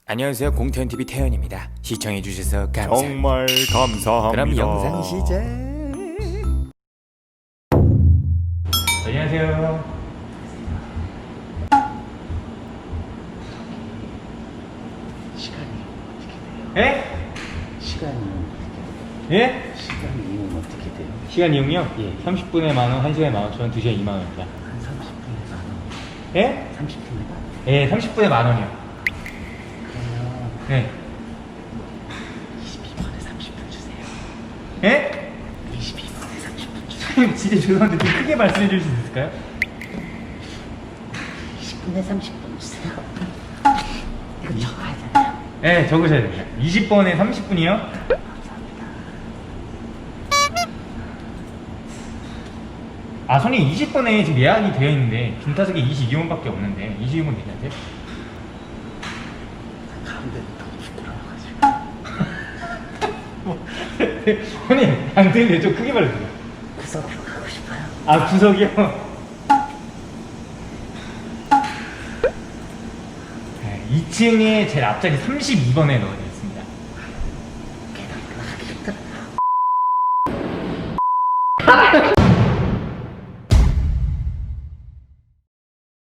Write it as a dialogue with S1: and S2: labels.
S1: 안녕하세요, 공태현TV 태현입니다. 시청해주셔서 감사합니다.
S2: 정말 감사합니다.
S1: 그럼 영상 시작. 안녕하세요.
S3: 시간이 어떻게 돼요?
S1: 예?
S3: 시간이 어떻게 돼요?
S1: 예?
S3: 시간 이용 어떻게 돼요?
S1: 시간 이용료?
S3: 예.
S1: 30분에 만원, 1시간에 만원, 저는 2시간에 2만원입니다.
S3: 한 30분에 만 원.
S1: 예?
S3: 30분에 만 원.
S1: 예, 30분에 만원이요.
S3: 그러면
S1: 네.
S3: 22분에 30분 주세요.
S1: 예?
S3: 22분에 30분 주세요.
S1: 선생님, 진짜 죄송한데 좀 크게 말씀해 주실 수 있을까요?
S3: 20분에 30분 주세요. 이거 적어야 되나요?
S1: 예, 적으셔야 됩니다. 20번에 30분이요? 아, 손님 20번에 지금 예약이 되어 있는데 김타석에 22번밖에 없는데 22번 괜찮으세요?
S3: 가운데 너무 부끄러워가지고.
S1: 손님, 안 되는데 좀 크게 말해주세요.
S3: 구석으로 가고 싶어요.
S1: 아, 구석이요? 2층에 제일 앞자리 32번에 넣어드렸습니다.
S3: 계단 올라가기 힘들어요.